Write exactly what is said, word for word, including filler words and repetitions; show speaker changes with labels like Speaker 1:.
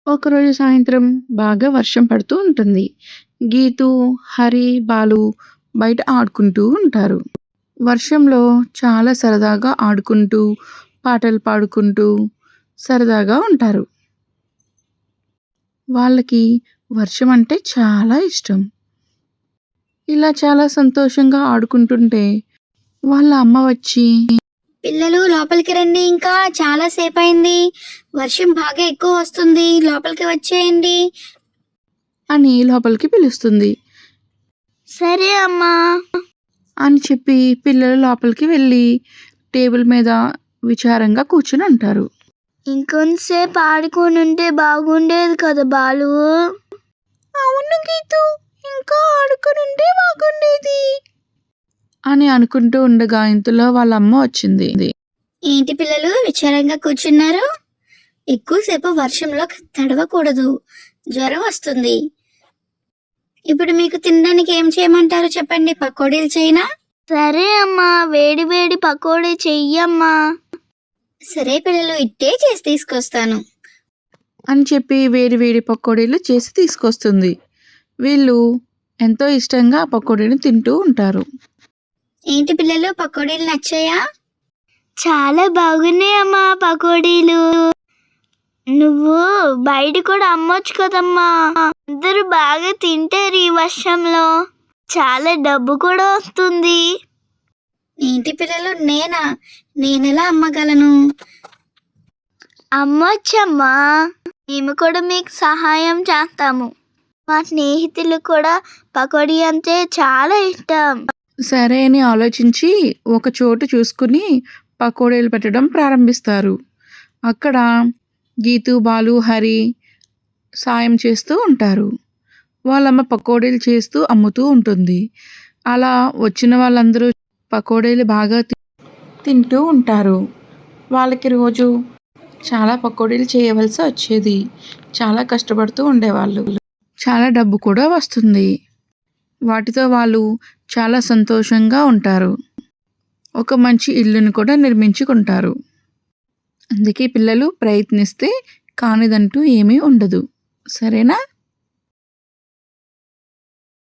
Speaker 1: ఒకరోజు సాయంత్రం బాగా వర్షం పడుతూ ఉంటుంది. గీతూ, హరి, బాలు బయట ఆడుకుంటూ ఉంటారు. వర్షంలో చాలా సరదాగా ఆడుకుంటూ, పాటలు పాడుకుంటూ సరదాగా ఉంటారు. వాళ్ళకి వర్షం అంటే చాలా ఇష్టం. ఇలా చాలా సంతోషంగా ఆడుకుంటుంటే వాళ్ళ అమ్మ వచ్చి,
Speaker 2: పిల్లలు లోపలికి రండి, ఇంకా చాలా సేపు అయింది, వర్షం బాగా ఎక్కువ వస్తుంది, లోపలికి వచ్చేయండి
Speaker 1: అని లోపలికి పిలుస్తుంది.
Speaker 2: సరే అమ్మా
Speaker 1: అని చెప్పి పిల్లలు లోపలికి వెళ్ళి టేబుల్ మీద విచారంగా కూర్చుని ఉంటారు.
Speaker 2: ఇంకొంతసేపు ఆడుకొని ఉంటే బాగుండేది కదా బాలు.
Speaker 1: అవును గీతు, ఇంకా ఆడుకొని ఉంటే బాగుండేది అని అనుకుంటూ ఉండగా ఇంతలో వాళ్ళ అమ్మ వచ్చింది.
Speaker 2: ఏంటి పిల్లలు విచారంగా కూర్చున్నారు? ఎక్కువసేపు వర్షంలో తడవకూడదు, జ్వరం వస్తుంది. ఇప్పుడు మీకు తినడానికి ఏం చేయమంటారు చెప్పండి? పకోడీలు చేయనా? సరే అమ్మా, వేడి వేడి పకోడీ చెయ్యమ్మా. సరే పిల్లలు, ఇట్టే చేసి తీసుకొస్తాను
Speaker 1: అని చెప్పి వేడి వేడి పకోడీలు చేసి తీసుకొస్తుంది. వీళ్ళు ఎంతో ఇష్టంగా ఆ పకోడీని తింటూ ఉంటారు.
Speaker 2: ఏంటి పిల్లలు, పకోడీలు నచ్చాయా? చాలా బాగున్నాయి అమ్మా పకోడీలు. నువ్వు బయట కూడా అమ్మొచ్చు కదమ్మా, అందరూ బాగా తింటారు ఈ వర్షంలో, చాలా డబ్బు కూడా వస్తుంది. ఏంటి పిల్లలు, నేనా? నేనెలా అమ్మగలను? అమ్మొచ్చమ్మా, మేము కూడా మీకు సహాయం చేస్తాము. మా స్నేహితులు కూడా పకోడీ అంటే చాలా ఇష్టం.
Speaker 1: సరే అని ఆలోచించి ఒక చోటు చూసుకుని పకోడీలు పెట్టడం ప్రారంభిస్తారు. అక్కడ గీతు, బాలు, హరి సాయం చేస్తూ ఉంటారు. వాళ్ళమ్మ పకోడీలు చేస్తూ అమ్ముతూ ఉంటుంది. అలా వచ్చిన వాళ్ళందరూ పకోడీలు బాగా తింటూ ఉంటారు. వాళ్ళకి రోజు చాలా పకోడీలు చేయవలసి వచ్చేది. చాలా కష్టపడుతూ ఉండేవాళ్ళు. చాలా డబ్బు కూడా వస్తుంది. వాటితో వాళ్ళు చాలా సంతోషంగా ఉంటారు. ఒక మంచి ఇల్లును కూడా నిర్మించుకుంటారు. అందుకే పిల్లలు ప్రయత్నిస్తే కానిదంటూ ఏమీ ఉండదు. సరేనా?